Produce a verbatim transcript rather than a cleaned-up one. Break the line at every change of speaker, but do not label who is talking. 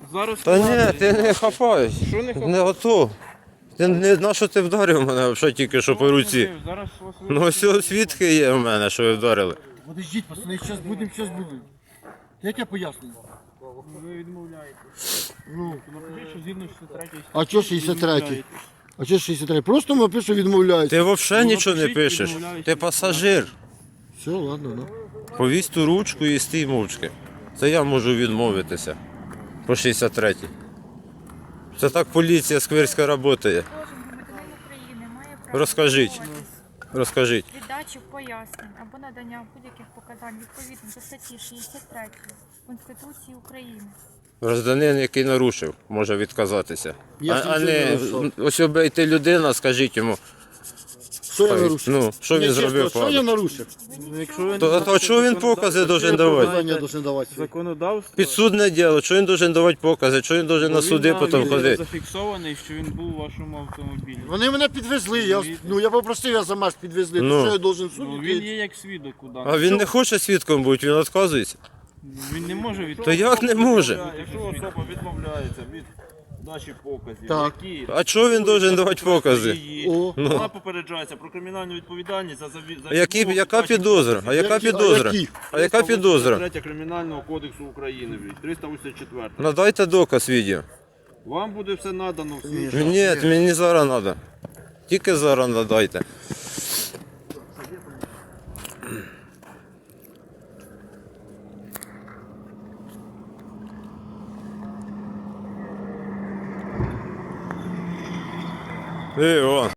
зараз...
Та ні, ти не хапаєш.
Що не
Не готов. Ти не на що ти вдарив мене взагалі тільки що по руці.
Зараз вас
Ну ось свідки є в мене, що ви вдарили.
Подождіть, пацани, зараз будемо, зараз будемо. Як я пояснюю?
ви відмовляєте.
Ну,
Напишіть, що згідно шістдесят третьої
а чого шістдесят третій? А чого шістдесят третій? Просто ми пишу відмовляюся.
Ти взагалі
Ну,
нічого не
напишіть,
пишеш.
відмовляюсь.
Ти пасажир.
Все, ладно, ну.
Повісь ту ручку і стій мовчки. Це я можу відмовитися. По шістдесят третій. Це так поліція скверська працює.
Кожен громадянин України має право
Розкажіть.
відмовитись
Розкажіть.
від дачі пояснень або надання будь-яких показань відповідно до статті шістдесят третьої Конституції України.
Гражданин, який нарушив, може відказатися.
Я
а,
ж
а
нічого не
не
нарушав.
ось обійти людина, скажіть йому.
Що я
Ой,
нарушив?
ну, що він
Ні,
зробив
чесно, Що я
погано?
нарушив?
Якщо ви
То, а то чого він покази должен давати?
Показання должен давати.
законодавство...
Підсудне діло, що він должен давати покази, що він должен на суди потім ходити.
зафіксований, що він був у вашому автомобілі.
Вони мене підвезли, я, ну я попросив, я сама ж підвезли.
Ну.
Ну. Що я должен
Ну,
суд
він
йти?
є як свідок у
А
даному.
він не хоче свідком бути, він відказується.
Він не може від...
То як не може?
Якщо особа відмовляється від дачі показів,
Так.
які
А чого він должен давати покази?
її,
О.
вона попереджається про кримінальну відповідальність за заві- за
Які,
відмову
яка
від дачі
підозра? А яка
Які? А
підозра?
які?
А яка підозра?
третя Кримінального кодексу України, триста вісімдесят четвертий.
Надайте доказ відео.
Вам буде все надано в свій час.
Ні, мені зараз треба. Тільки зараз надайте. Ей, о.